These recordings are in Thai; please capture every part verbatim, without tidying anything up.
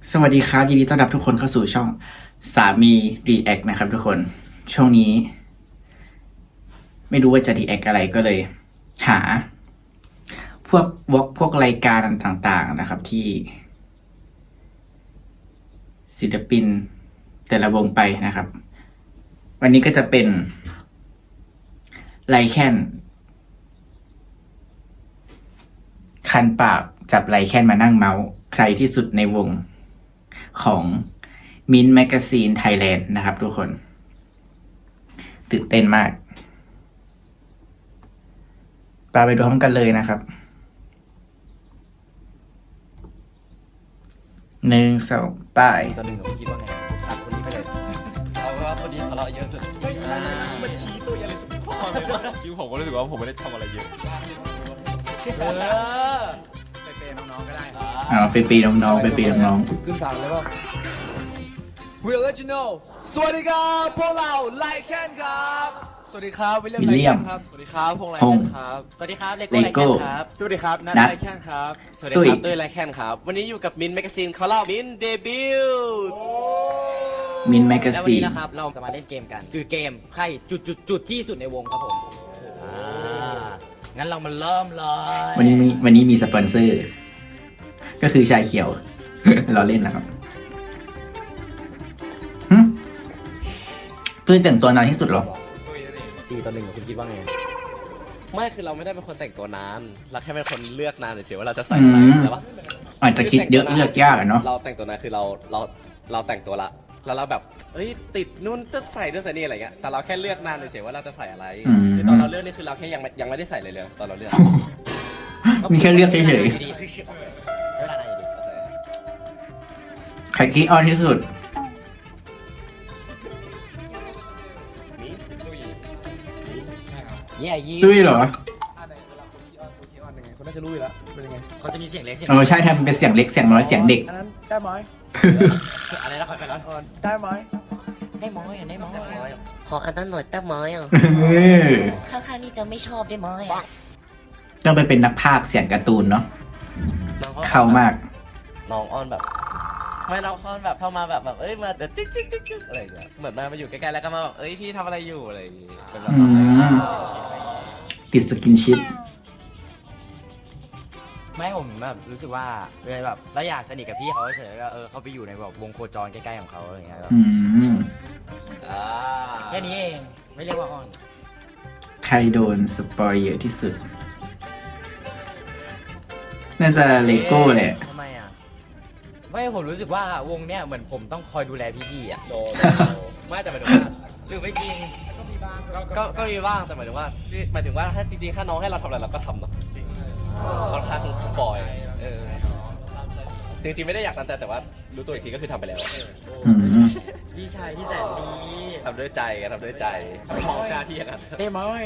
สวัสดีครับยินดีต้อนรับทุกคนเข้าสู่ช่องสามี React นะครับทุกคนช่วงนี้ ไม่รู้ว่าจะ React อะไรก็เลย หา พวกวอล์กพวกรายการต่างๆนะครับ ที่ ศิลปิน แต่ละวงไปนะครับ วันนี้ก็จะเป็นไลแคนคันปากจับไลแคนมานั่งเมาส์ใครที่สุดในวงของ Mint Magazine Thailand นะครับทุกคน ตื่นเต้นมากปาไปดูพร้อมกันเลยนะครับหนึ่งสองป้ายตอนหนึ่งผมคิดว่าไงตัดคนนี้ไปเลยเอาว่าคนนี้ทะเลาะเยอะสุดมันชี้ตัวอะไรทุกข้อเลยจริงผมก็รู้สึกว่าผมไม่ได้ทำอะไรเยอะเออไปเปย์น้องๆก็ได้อ๋อไปปีน้องๆไปปีน้องขึ้นสั่งเลยป่ะ Real Original สวัสดีครับพวกเราไลแคนครับสวัสดีครับวิลเลียมไลแคนครับสวัสดีครับพงษ์ไลแคนครับสวัสดีครับเลโก้ไลแคนครับสวัสดีครับนัทไลแคนครับสวัสดีครับตุ้ยไลแคนครับวันนี้อยู่กับมินแมกกาซีนเขาเล่ามินเดบิวต์ๆ Mint แล้ววันนี้ Magazine นะครับเราจะมาเล่นเกมกัน คือเกมใครจุดจุดจุดที่สุดในวงครับผมอ่างั้นเรามาเริ่มเลยวันนี้มีวันนี้มีสปอนเซอร์ ก็คือชายเขียว เราเล่นนะครับหึตุ้ยแต่งตัวนานที่สุดเหรอสี่ต่อหนึ่งคุณคิดว่าไงไม่คือเราไม่ได้เป็นคนแต่งตัวนานเราแค่เป็นคนเลือกนานเฉยๆว่าเราจะใส่อะไรอืมใช่ปะอาจจะคิดเยอะเลือกยากอะเนาะเราแต่งตัวนานคือเราเราเราแต่งตัวละแล้วเราแบบเอ้ยติดนู่นจะใส่ด้วยใส่นี่อะไรเงี้ยแต่เราแค่เลือกนานเฉยๆว่าเราจะใส่อะไรคือตอนเราเลือกนี่คือเราแค่ยังไม่ยังไม่ได้ใส่เลยเลยตอนเราเลือกมีแค่เลือกเฉยดีๆใช้เวลานานอยู่ดีๆใครคิดออนที่สุดนี่ตุ้ยแย่ยี่ตุ้ยเหรออะไรเวลาคนที่ออนคนที่ออนยังไงคนน่าจะรู้อยู่แล้วเป็นยังไงเขาจะมีเสียงเล็กเสียงเออใช่ทำเป็นเสียงเล็กเสียงน้อยเสียงเด็กอันนั้นได้ไหมอะไรนะคอยไปแล้วออนได้ไหมได้ม้อยได้ม้อยขออันนั้นหน่อยแต้มไม้อ่ะเออข้างๆนี่จะไม่ชอบได้ไหมอะต้องไปเป็นนักพากย์เสียงการ์ตูนเนาะน้องเข้ามากน้องออนแบบไม่น้องออนแบบเข้ามาแบบแบบเอ้ยมาเดี๋ยวจิ๊กจิ๊กจิ๊กจิ๊กอะไรอย่างเงี้ยเหมือนมามาอยู่ใกล้ๆแล้วก็มาแบบเอ้ยพี่ทำอะไรอยู่อะไรอย่างงี้เป็นแบบอืม ติดสกินชิปไม่ผมแบบรู้สึกว่าเลยแบบเราอยากสนิทกับพี่เขาเฉยๆก็เออเขาไปอยู่ในแบบวงโคจรใกล้ๆของเขาอะไรเงี้ยแบบอืมอ่าแค่นี้เองไม่เรียกว่าออนใครโดนสปอยเยอะที่สุด น่าจะเลโก้แหละทำไมอ่ะไม่ผมรู้สึกว่าวงเนี้ยเหมือนผมต้องคอยดูแลพี่ๆอ่ะโดนไม่แต่หมายถึงว่าหรือไม่จริงก็ก็มีบ้างแต่หมายถึงว่าที่หมายถึงว่าถ้าจริงๆถ้าน้องให้เราทำอะไรเราก็ทำเนาะค่อนข้างสปอยเออจริงๆไม่ได้อยากทำแต่แต่ว่ารู้ตัวอีกทีก็คือทำไปแล้วอืมพี่ชายที่แสนดีทำด้วยใจทำด้วยใจไม่มองหน้าที่อย่างนั้นได้ม้อย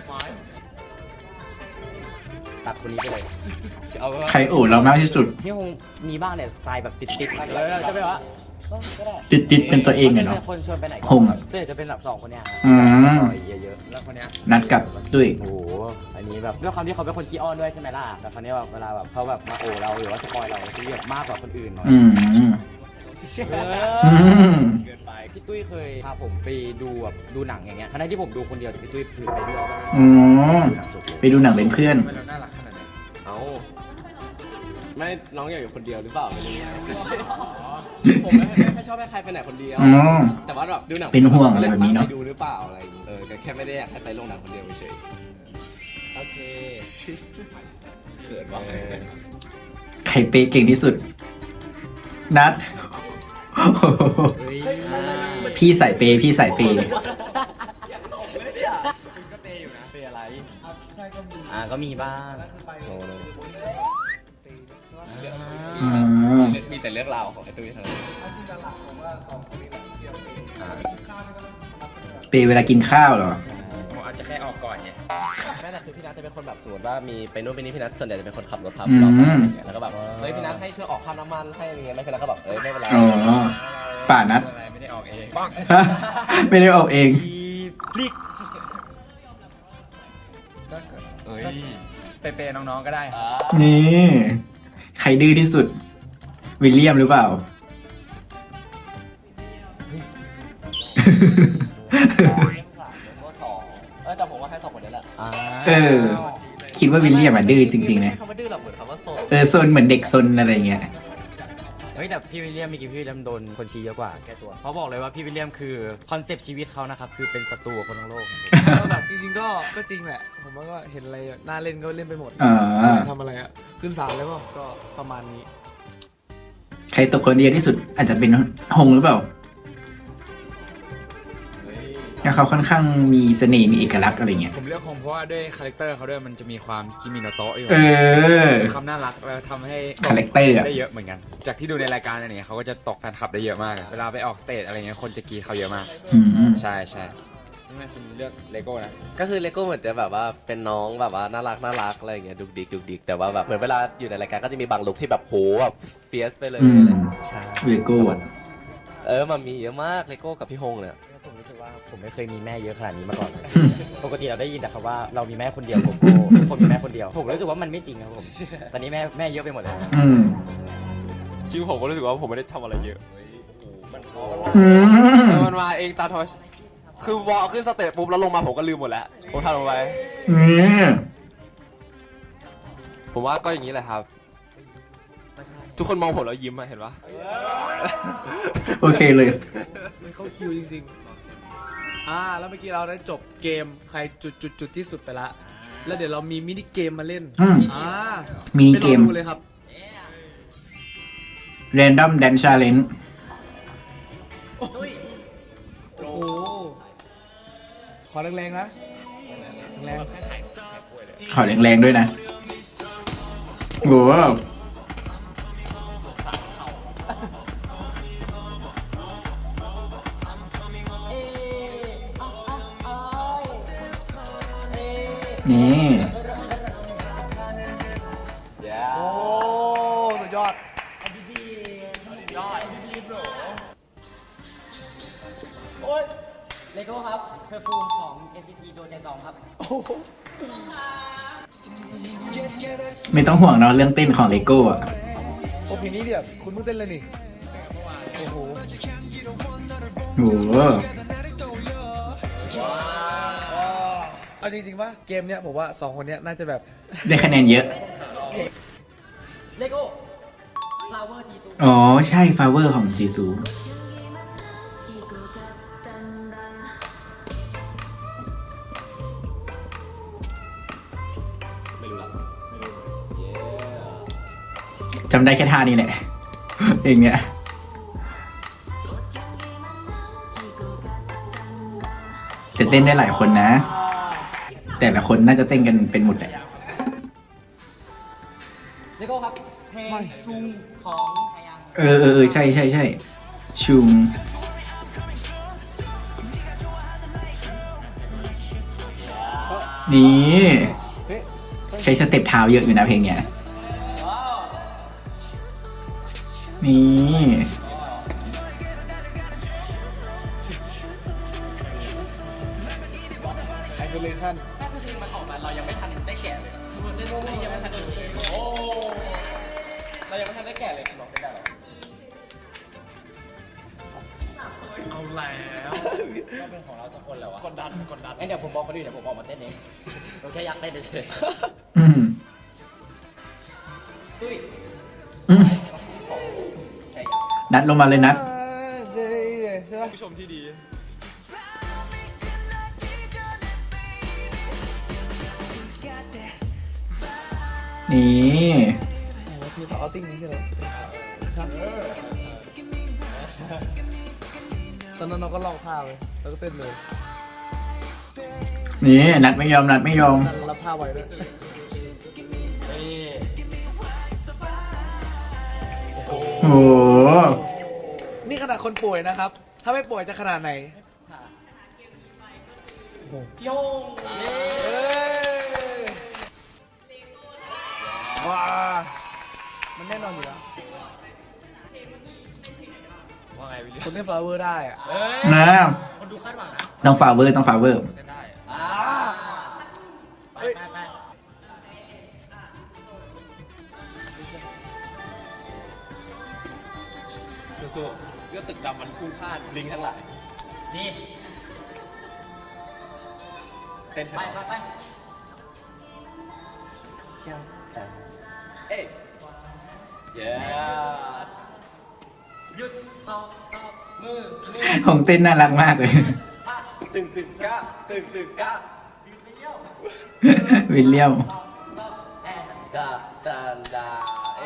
ตัดคนนี้ไปเลยเอาเป็นว่าใครโอดเรามากที่สุดพี่คงมีบ้างเนี่ยสไตล์แบบติดๆแล้วจะไปว่าเออก็ได้ติดติดเป็นตัวเองอะเนาะป็คนชวนไปไหนก็หงอะก็จะเป็นแบบสองคนเนี้ยครับอืมสปอยเยอะๆแล้วคนเนี้ยนัดกับตุ้ยโอ้โหอันนี้แบบด้วยความที่เขาเป็นคนขี้อ้อนด้วยใช่ไหมล่ะแต่คราวนี้แบบเวลาแบบเขาแบบมาโอเราหรือว่าสปอยเราจะแบบมากกว่าคนอื่นหน่อยอืมเออือมเกินไปพี่ตุ้ยเคยพาผมไปดูแบบดูหนังอย่างเงี้ยทั้งที่ผมดูคนเดียวแต่พี่ตุ้ยคือไปด้วยอ๋อดูหนังจบเลยไปดูหนังเป็นเพื่อนเอาไม่น้องอยากอยู่คนเดียวหรือเปล่าไม่รู้ผมไม่ไม่ไม่ชอบให้ใครไปไหนคนเดียวอ๋อแต่ว่าแบบดูหนังเป็นห่วงอะไรแบบนี้เนอะไปดูหรือเปล่าอะไรอย่างงี้เออก็แค่ไม่ได้อยากให้ไปโรงหนังคนเดียวเฉยโอเคๆเขินว่ะใครเปย์เก่งที่สุด นัด พี่ใส่เปย์พี่ใส่เปย์ก็เปย์อยู่นะเปย์อะไรอ่าก็มีบ้างโนโนอืมมีแต่เรื่องราวของไอ้ตุ้ยเท่านั้นเปย์เวลากินข้าวเหรอผมอาจจะแค่ออกก่อนไงแม่แต่คือพี่นัทจะเป็นคนแบบสมมติว่ามีไปนู่นไปนี่พี่นัทส่วนใหญ่จะเป็นคนขับรถพาอืพวกเราไปมอะไรเงี้ยแล้วก็แบบเฮ้ยพี่นัทให้ช่วยออกค่าน้ำมันให้อะไรเงี้ยแล้วพี่นัทก็แบบเอ้ยไม่เป็นไรอ๋อ ป่านัดไม่ได้ออกเองไม่ได้ออกเองพลิกก็เกิดเอ้ยไปเปย์น้องๆก็ได้อ่านี่ ใครดื้อที่สุด วิลเลียมหรือเปล่าสามแล้วก็สองเออแต่ผมว่าแค่สองคนนี้แหละอ่าเออ คิดว่าวิลเลียมอะดื้อจริงๆไม่นะใช่คำว่าดื้อหรอกเหมือนคำว่าโซนเออโซนเหมือนเด็กโซนอะไรเงี้ยเฮ้ยแต่พี่วิลเลียมมีกี่พี่วิลเลียมโดนคนชี้เยอะกว่าแก้ตัวเขาบอกเลยว่าพี่วิลเลียมคือคอนเซปต์ชีวิตเขานะครับคือเป็นศัตรูกับคนทั้งโลกก็แบบจริงๆก็ก็จริงแหละ ผมว่าก็เห็นอะไรน่าเล่นก็เล่นไปหมดอ่าทำอะไรอ่ะ ขึ้นศาลแล้วก็ก็ประมาณนี้ใครตกคนเดียวที่สุดอาจจะเป็นฮงหรือเปล่าแล้วเขาค่อนข้างมีเสน่ห์มีเอกลักษณ์อะไรเงี้ยผมเลือกคงเพราะว่าด้วยคาแรคเตอร์เขาด้วยมันจะมีความคิมิโนโตะอยู่เออความน่ารักแล้วทำให้คาแรคเตอร์อะได้เยอะเหมือนกัน จากที่ดูในรายการอะไรเงี้ยเขาก็จะตกแฟนคลับได้เยอะมาก เวลาไปออกสเตจอะไรเงี้ยคนจะกรีดเขาเยอะมากอืมใช่ใช่ทำไมคุณเลือกเลโก้นะก็คือเลโก้เหมือนจะแบบว่าเป็นน้องแบบว่าน่ารักน่ารักอะไรอย่างเงี้ยดุกดิกดุกดิกแต่ว่าแบบเหมือนเวลาอยู่ในรายการก็จะมีบางลุคที่แบบโหแบบเฟียสไปเลยอืมอะไรใช่เลโก้เออมันมีเยอะมากเลโก้กับพี่ฮงเนี่ยผมรู้สึกว่าผมไม่เคยมีแม่เยอะขนาดนี้มาก่อนเลย ปกติเราได้ยินแต่คำว่าเรามีแม่คนเดียวโกโก้คนมีแม่คนเดียว ผมรู้สึกว่ามันไม่จริงครับผม ตอนนี้แม่แม่เยอะไปหมดเลยอืมจริงผมก็รู้สึกว่าผมไม่ได้ทำอะไรเยอะอืมมันมาเองตามธรรมชาติคือวอลขึ้นสเตจปุ๊บแล้วลงมาผมก็ลืมหมดแล้วผมทำลงไปอืมผมว่าก็อย่างนี้แหละครับ ทุกคนมองผมแล้วยิ้มอะเห็นปะโอเคเลยมันเข้าคิวจริงๆ อ่า แล้วเมื่อกี้เราได้จบเกมใครจุดจุดจุดที่สุดไปละ แล้วเดี๋ยวเรามีมินิเกมมาเล่นอืมอ่ามินิเกมไปลองดูเลยครับ Random Dance Challenge โอ้โห ขอแรงๆนะแรงขอแรงๆด้วยนะโอ้โหนี่ๆโอ้ สุดยอดเลโก้ครับเพอร์ฟูมของ เอ็น ซี ที โดนใจจองครับไม่ต้องห่วงเนาะเรื่องเต้นของเลโก้อะโอ้เพลงนี้เนี่ยคุณเพิ่งเต้นเลยนี่ โอ้โหโอ้โหเอาจริงๆว่าเกมเนี้ยผมว่าสองคนเนี้ยน่าจะแบบได้คะแนนเยอะเลโก้ฟลาวเวอร์จีซูอ๋อ ใช่ฟาเวอร์ของจีซู จำได้แค่ท่านี้แหละ เองเนี้ยจะเต้นได้หลายคนนะ แต่ละคนน่าจะเต้นกันเป็นหมดแหละเลโก้ครับเพลงชุงของไทยังเออเออเออใช่ใช่ใช่ชุงนี่ ใช้สเต็ปเท้าเยอะอยู่นะเพลงเนี้ยนี่ isolation แค่เพลงมันออกมาเรายังไม่ทันได้แกะเลยอันนี้ยังไม่ทันได้เลยโอ้เรายังไม่ทันได้แก่เลยหรอกไม่ได้หรอกเอาแล้วก็เป็นของเราสักคนแล้ววะกดดันกดดันงั้นเดี๋ยวผมบอกคนอื่นเดี๋ยวผมออกมาเต้นเองผมแค่อยากเต้นเฉยอืมๆตุ้ยอืมนัดลงมาเลยนัดใช่ไหมผู้ชมที่ดีนี่คือต่อเอาติ้งนี้ใช่ไหมใช่ตอนนั้นเราก็ลองท่าเลยแล้วก็เต้นเลยนี่นัดไม่ยอมนัดไม่ยอมนั่งรับท่าไว้ด้วยโอ้โหนี่ขนาดคนป่วยนะครับ ถ้าไม่ป่วยจะขนาดไหนโยงเอ้ยว้ามันแน่นอนอยู่แล้วว่าไงวิลเลียมคนเล่นฟลาวเวอร์ได้อะนะคนดูคาดหวังนะต้องฟาเวอร์ต้องฟาเวอร์ไปไปไปสู้ๆเรื่องตึกดำมันพุ่งพลาดลิงทั้งหลายนี่เต้นไปไปไปเอ้ยเย้หยุดสอบสอบมือมือของเต้นน่ารักมากเลยตึงตึงกะตึงตึงกะวิลเลียมดาดาดาเอ้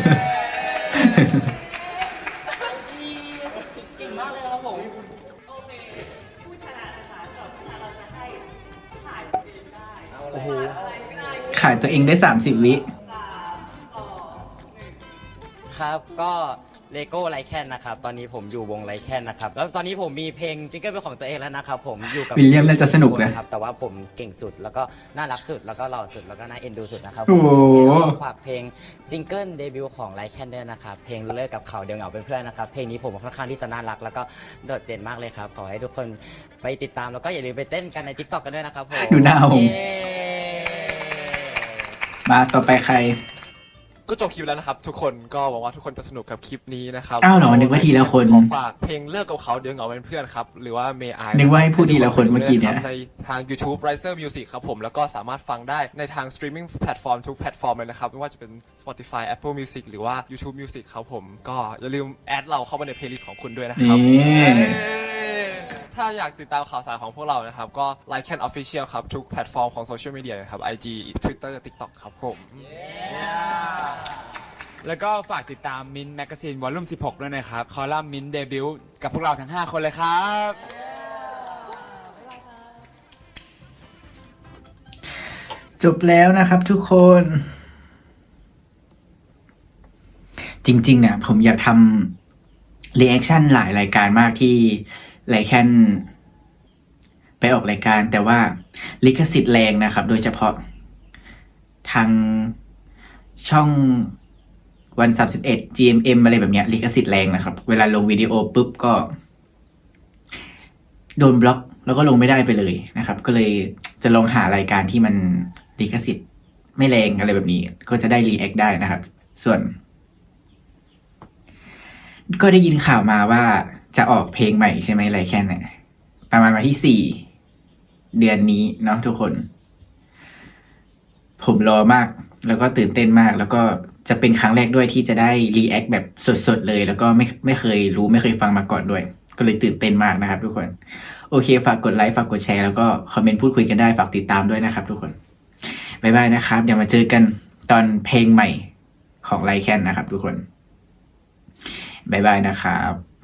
เก่งมากเลยครับผมโอเค ผู้ชนะนะคะสำหรับผู้ชนะเราจะให้ขายตัวเองได้โอ้โหอะไรก็ได้ขายตัวเองได้สามสิบวิสามสองหนึ่งครับก็เลโก้ไลแคนนะครับตอนนี้ผมอยู่วงไลแคนนะครับแล้วตอนนี้ผมมีเพลงซิงเกิลเป็นของตัวเองแล้วนะครับผมอยู่กับวิลเลียมน่าจะสนุกนะครับแต่ว่าผมเก่งสุดแล้วก็น่ารักสุดแล้วก็หล่อสุดแล้วก็น่าเอ็นดูสุดนะครับโอ้โหฝากเพลงซิงเกิลเดบิวต์ของไลแคนด้วยนะครับเพลงเลิกกับเขาเดียวเหงาเป็นเพื่อนนะครับเพลงนี้ผมค่อนข้างที่จะน่ารักแล้วก็โดดเด่นมากเลยครับขอให้ทุกคนไปติดตามแล้วก็อย่าลืมไปเต้นกันใน ติ๊กต็อก กันด้วยนะครับผมดูหน้าผมเย้มาต่อไปใครก็จบคลิปแล้วนะครับทุกคนก็หวังว่าทุกคนจะสนุกกับคลิปนี้นะครับอ้าวเหรอนึกว่าทีละคนขอฝากเพลงเลิกกับเขาเดี๋ยวเหงาเป็นเพื่อนครับหรือว่า May I นึกว่าให้พูดทีละคนเมื่อกี้เนี่ยในทาง YouTube Riser Music ครับผมแล้วก็สามารถฟังได้ในทาง streaming platform ทุกแพลตฟอร์มเลยนะครับไม่ว่าจะเป็น Spotify Apple Music หรือว่า YouTube Music ครับผมก็อย่าลืมแอดเราเข้ามาใน playlist ของคุณด้วยนะครับนี่เอ้ยถ้าอยากติดตามข่าวสารของพวกเรานะครับก็ Like Can Official ครับทุกแพลตฟอร์มของโซเชียลมีเดียนะครับ ไอ จี Twitter TikTok ครับผมแล้วก็ฝากติดตามมินแมกกาซีนวอลลุ่มสิบหกด้วยนะครับ คอลัมน์มินเดบิวต์กับพวกเราทั้งห้าคนเลยครับจบแล้วนะครับทุกคน จริงๆเนี่ยผมอยากทำรีแอคชั่นหลายรายการมากที่ไลแคนไปออกรายการ แต่ว่าลิขสิทธิ์แรงนะครับ โดยเฉพาะทางช่องวันสามสิบเอ็ด จี เอ็ม เอ็ม อะไรแบบเนี้ยลิขสิทธิ์แรงนะครับ เวลาลงวิดีโอปุ๊บก็โดนบล็อกแล้วก็ลงไม่ได้ไปเลยนะครับ ก็เลยจะลองหารายการที่มันลิขสิทธิ์ไม่แรงอะไรแบบนี้ ก็จะได้รีแอคได้นะครับ ส่วน ก็ได้ยินข่าวมาว่าจะออกเพลงใหม่ใช่ไหมไลแคนเนี่ยประมาณวันที่สี่เดือนนี้เนาะทุกคน ผมรอมากแล้วก็ตื่นเต้นมาก แล้วก็จะเป็นครั้งแรกด้วยที่จะได้รีแอคแบบสดๆเลย แล้วก็ไม่ไม่เคยรู้ไม่เคยฟังมาก่อนด้วย ก็เลยตื่นเต้นมากนะครับ ทุกคนโอเคฝากกดไลค์ฝากกดแชร์แล้วก็คอมเมนต์พูดคุยกันได้ฝากติดตามด้วยนะครับ ทุกคนบ๊ายบายนะครับเดี๋ยวมาเจอกันตอนเพลงใหม่ของไลแคนนะครับ ทุกคนบ๊ายบายนะครับ